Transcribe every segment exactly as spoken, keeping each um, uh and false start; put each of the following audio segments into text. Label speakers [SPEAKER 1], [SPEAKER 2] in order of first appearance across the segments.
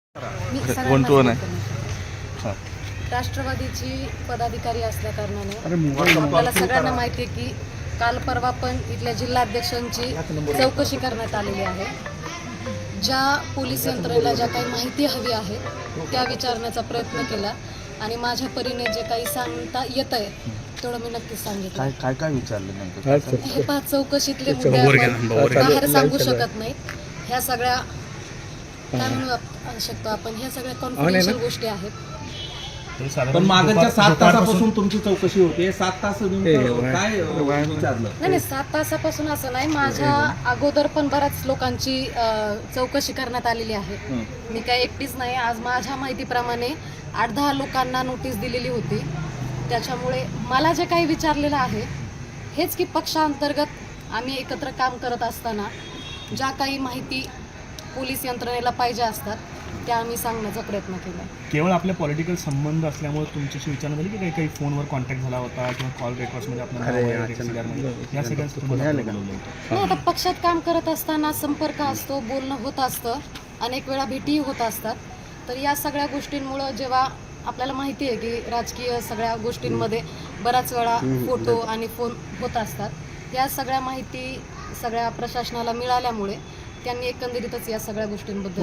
[SPEAKER 1] मी
[SPEAKER 2] one two one आहे.
[SPEAKER 1] सगळ्यांना राष्ट्रवादीची पदाधिकारी असल्या कारणाने आपल्याला सगळ्यांना माहिती आहे की काल परवा पण इथल्या जिल्हाध्यक्षांची चौकशी करण्यात आलेली आहे. ज्या पोलीस यंत्रणेला ज्या काही माहिती हवी आहे त्या विचारण्याचा प्रयत्न केला आणि माझ्या परीने जे काही सांगता येत आहे तेवढं मी नक्कीच सांगितलं.
[SPEAKER 2] काय काय काय विचारलं नेमकं?
[SPEAKER 1] हे पाच चौकशीतले मुद्दे आपण बाहेर सांगू शकत नाही. ह्या सगळ्या काय म्हणू शकतो आपण, ह्या सगळ्या कॉन्फिडेन्शियल गोष्टी आहेत.
[SPEAKER 3] पण मागच्या सात तासापासून तुमची चौकशी होते. सात तास काय विचारलं?
[SPEAKER 1] नाही नाही सात तासापासून असं नाही, माझ्या अगोदर पण बऱ्याच लोकांची चौकशी करण्यात आलेली आहे. मी काय एकटीच नाही. आज माझ्या माहितीप्रमाणे आठ दहा लोकांना नोटीस दिलेली होती. त्याच्यामुळे मला जे काही विचारलेलं आहे हेच की पक्षांतर्गत आम्ही एकत्र काम करत असताना ज्या काही माहिती पोलीस यंत्रणेला पाहिजे असतात त्या आम्ही सांगण्याचा प्रयत्न केला.
[SPEAKER 4] केवळ आपले पॉलिटिकल संबंध असल्यामुळे तुमच्याशी विचारणा झाली की काही काही फोनवर कॉन्टॅक्ट झाला होता किंवा कॉल रेकॉर्ड्समध्ये आपल्याला या सगळ्या
[SPEAKER 1] नाही, आता पक्षात काम करत असताना संपर्क असतो, बोलणं होत असतं, अनेक वेळा भेटीही होत असतात. तर या सगळ्या गोष्टींमुळं जेव्हा आपल्याला माहिती आहे की राजकीय सगळ्या गोष्टींमध्ये बऱ्याच वेळा फोटो आणि फोन होत असतात, या सगळ्या माहिती सगळ्या प्रशासनाला मिळाल्यामुळे त्यांनी एकंदरीतच या सगळ्या गोष्टींबद्दल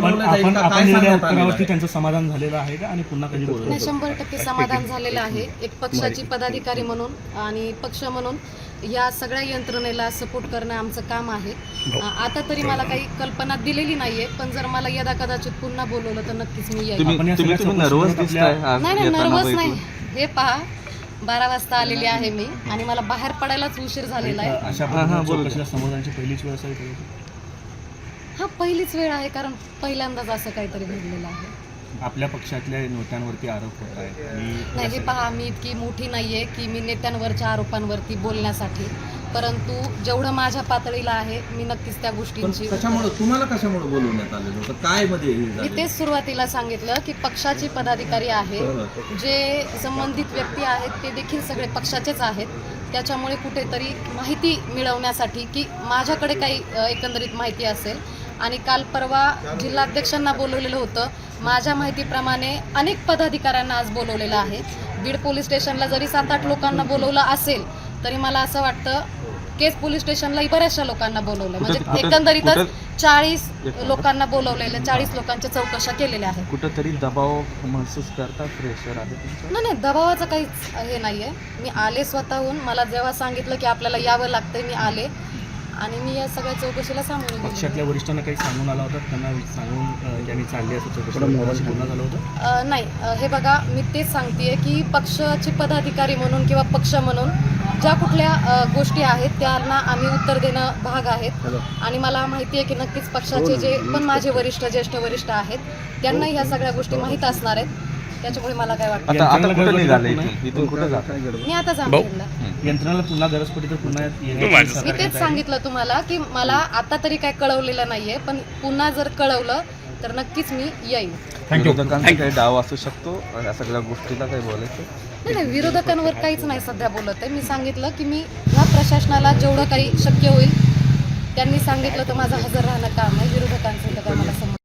[SPEAKER 4] त्यांचं समाधान झालेलं आहे का आणि पुन्हा कधी बोलवलं?
[SPEAKER 1] नाही, शंभर टक्के समाधान झालेलं आहे. एक पक्षाची पदाधिकारी म्हणून आणि पक्ष म्हणून या सगळ्या यंत्रणेला सपोर्ट करणं आमचं काम आहे. आता तरी मला काही कल्पना दिलेली नाहीये, पण जर मला यदा कदाचित पुन्हा बोलवलं तर नक्कीच मी येईल. नाही नाही नर्वस नाही. हे पहा, बारा वाजता आलेली आहे मी आणि मला बाहेर पडायलाच उशीर झालेला आहे.
[SPEAKER 4] अशा पद्धतीने समाधानाची पहिलीच वेळ असावी.
[SPEAKER 1] हा पहिलीच वेळ आहे, कारण पहिल्यांदाच असं काहीतरी घडलेलं आहे.
[SPEAKER 4] आपल्या पक्षातल्या नेत्यांवरती आरोप होत आहेत.
[SPEAKER 1] नाही, हे पहा, मी इतकी मोठी नाहीये की मी नेत्यांवरच्या आरोपांवरती बोलण्यासाठी, परंतु जेवढं माझ्या पातळीला आहे मी नक्कीच त्या गोष्टींची.
[SPEAKER 3] कशामुळे तुम्हाला कशामुळे बोलवण्यात आलेलं होतं? काय मध्ये
[SPEAKER 1] मी तेच सुरुवातीला सांगितलं की पक्षाची पदाधिकारी आहे, जे संबंधित व्यक्ती आहेत ते देखील सगळे पक्षाचेच आहेत. त्याच्यामुळे कुठेतरी माहिती मिळवण्यासाठी की माझ्याकडे काही एकंदरीत माहिती असेल, आणि काल परवा जिल्हाध्यक्षांना बोलवलेलं होतं. माझ्या माहितीप्रमाणे अनेक पदाधिकाऱ्यांना आज बोलवलेलं आहे. बीड पोलीस स्टेशनला जरी सात आठ लोकांना बोलवलं असेल तरी मला असं वाटतं केस पोलीस स्टेशनलाही बऱ्याचशा लोकांना बोलवलं, म्हणजे एकंदरीतच चाळीस लोकांना बोलवलेलं, चाळीस लोकांच्या चौकशा केलेल्या आहेत.
[SPEAKER 2] कुठंतरी दबाव महसूस करता, प्रेशर आहे?
[SPEAKER 1] नाही नाही, दबावाचं काहीच हे नाहीये. मी आले स्वतःहून. मला जेव्हा सांगितलं की आपल्याला यावं लागतंय मी आले आणि मी या सगळ्या चौकशीला सामोरे गेले.
[SPEAKER 4] पक्षातल्या वरिष्ठांना काही सांगून आला होता, त्यांना सांगून त्यांनी चालली असं चौकशी बोलणं झालं होतं?
[SPEAKER 1] नाही, हे बघा, मी तेच सांगतेय की पक्षाचे पदाधिकारी म्हणून किंवा पक्ष म्हणून ज्या कुठल्या गोष्टी आहेत त्यांना आम्ही उत्तर देणं भाग आहेत. आणि मला माहिती आहे की नक्कीच पक्षाचे जे पण माझे वरिष्ठ ज्येष्ठ वरिष्ठ आहेत त्यांना ह्या सगळ्या गोष्टी माहीत असणार आहेत. त्याच्यामुळे मला काय वाटतं मी आता जामखेडला.
[SPEAKER 4] यंत्रणाला पुन्हा गरज पडली तर पुन्हा
[SPEAKER 1] मी तेच सांगितलं तुम्हाला की मला आता तरी काय कळवलेलं नाहीये, पण पुन्हा जर कळवलं तर नक्कीच मी येईल.
[SPEAKER 2] काही डाव असू शकतो या सगळ्या गोष्टीला काही बोलायचं?
[SPEAKER 1] नाही नाही, विरोधकांवर काहीच नाही सध्या बोलत आहे. मी सांगितलं की मी ह्या प्रशासनाला जेवढं काही शक्य होईल त्यांनी सांगितलं तर माझं हजर राहणं काम आहे. विरोधकांचं तर काय मला समज